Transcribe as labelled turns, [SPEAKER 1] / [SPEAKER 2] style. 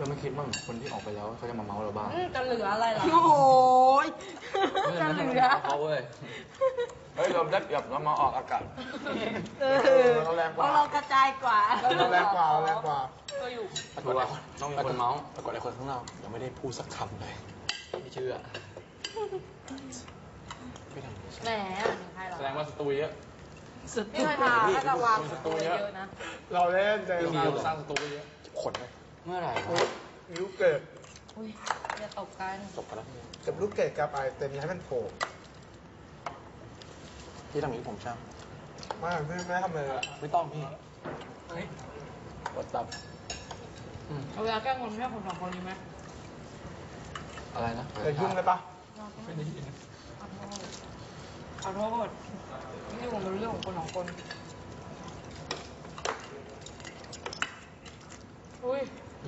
[SPEAKER 1] เราไม่คิดบ้างคนที่ออกไปแล้วเขาจะมาเมาเราบ้าง
[SPEAKER 2] จะเหลืออะไรล่ะ
[SPEAKER 3] โอ้ยจะเหลือ
[SPEAKER 1] เขาเว้ยเฮ้ยเราได้เปรียบเรามาออกอากาศ
[SPEAKER 4] เราแรงก
[SPEAKER 3] เพ
[SPEAKER 4] ว่า
[SPEAKER 3] ราะเรากระจายกว่า
[SPEAKER 4] เราแรงกว่าเราแรงกว่า
[SPEAKER 2] ก็อยู่
[SPEAKER 1] ปรากฏว่าต้องมีคนเมาส์
[SPEAKER 4] ปรากฏไอ้คนข้างนอกยังไม่ได้พูดสักคำเลย
[SPEAKER 1] ไม่เชื่อ
[SPEAKER 4] ไม่ทำ
[SPEAKER 2] แหมมีใครหรอ
[SPEAKER 1] แสดงว่าสตูเยอะ
[SPEAKER 3] สุด
[SPEAKER 2] พี่เคยมาถ้าจะวางตัวเยอะนะ
[SPEAKER 4] เราเล่นใจ
[SPEAKER 1] พี่
[SPEAKER 4] เรา
[SPEAKER 1] เราสร้างสตูเยอะ
[SPEAKER 4] ขนเลย
[SPEAKER 1] เมื่อไหร่
[SPEAKER 4] ลูกเกิด
[SPEAKER 2] อุ้ยอย่าตกกัน
[SPEAKER 1] จบกันแล้ว
[SPEAKER 4] กับลูกเกิดกับไอเต็มให้มันโผล่
[SPEAKER 1] พี่ทำอย่างนี้ผมช่าง
[SPEAKER 4] ไม่ไม่ทำเลยอะ
[SPEAKER 1] ไม่ต้องพี่กดตับ
[SPEAKER 2] เอาเวลาแกล้งคนแค่คนสองคนนี้ไหม
[SPEAKER 1] อะไรนะ
[SPEAKER 4] จะยุ่งเลยปะ
[SPEAKER 1] ไม่ได้ยิน
[SPEAKER 2] ขอโทษนี่ผมเป็นเรื่องของคนสองคน อุ้ย